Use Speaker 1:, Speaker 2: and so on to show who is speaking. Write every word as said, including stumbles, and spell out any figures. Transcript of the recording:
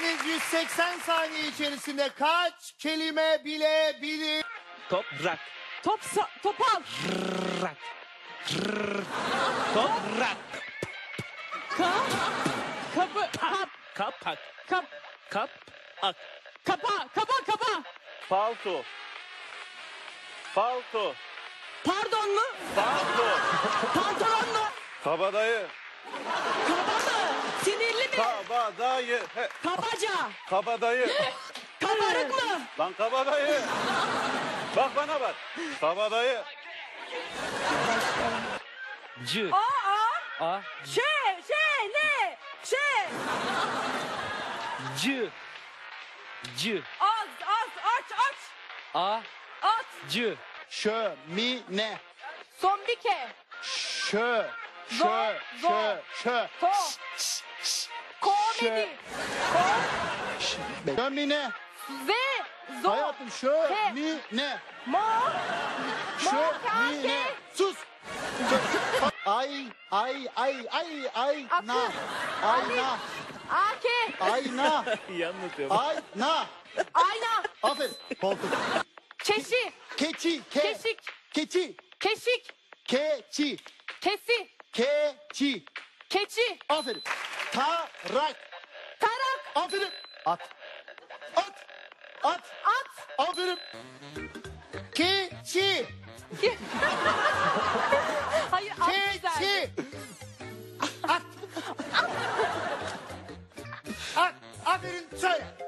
Speaker 1: İkiniz yüz seksen saniye içerisinde kaç kelime bilebilir?
Speaker 2: Toprak.
Speaker 3: Top sa- topal.
Speaker 2: Rak. Rrr. Toprak.
Speaker 3: Ka kapı kap
Speaker 2: Kapak.
Speaker 3: kap
Speaker 2: Kap. Ak.
Speaker 3: kapa kapa kapa.
Speaker 4: Palto. Palto.
Speaker 3: Pardon mu?
Speaker 4: Palto.
Speaker 3: Pantolon mu?
Speaker 4: Kabadayı.
Speaker 3: Kaba mı? Sinirli mi?
Speaker 4: Kabadayı. He,
Speaker 3: Kabaca.
Speaker 4: kabadayı.
Speaker 3: Kabarık mı?
Speaker 4: Lan kabadayı. Bak bana bak. Kabadayı.
Speaker 2: C.
Speaker 3: Aa.
Speaker 2: A.
Speaker 3: Şey şey ne? Şey.
Speaker 2: C. C.
Speaker 3: Az az aç aç.
Speaker 2: A.
Speaker 3: At.
Speaker 2: C.
Speaker 1: Şömine.
Speaker 3: Zombike.
Speaker 1: Şö. Şö.
Speaker 3: Zor, zor.
Speaker 1: Şö. Şö.
Speaker 3: To. Komedi. Ko.
Speaker 1: Şömine.
Speaker 3: Z. Zo.
Speaker 1: Hayatım şömine.
Speaker 3: Mo.
Speaker 1: Şömine. Sus. Şö- Ay ay ay ay ay na. Ayna.
Speaker 3: Ake.
Speaker 1: Ayna.
Speaker 2: İyi anlatıyorum.
Speaker 1: Ayna.
Speaker 3: Ayna.
Speaker 1: Aferin. Koltuk.
Speaker 3: Keşi.
Speaker 1: Keçi. Ke.
Speaker 3: Keşik.
Speaker 1: Keçi.
Speaker 3: Keşik.
Speaker 1: Keçi.
Speaker 3: Kesi.
Speaker 1: Keçi.
Speaker 3: Keçi.
Speaker 1: Aferin. Tarak.
Speaker 3: Tarak.
Speaker 1: Aferin. At. At. At.
Speaker 3: At.
Speaker 1: Aferin. Keçi.
Speaker 3: Hayır at güzel.
Speaker 1: Keçi. At. At. Aferin söyle.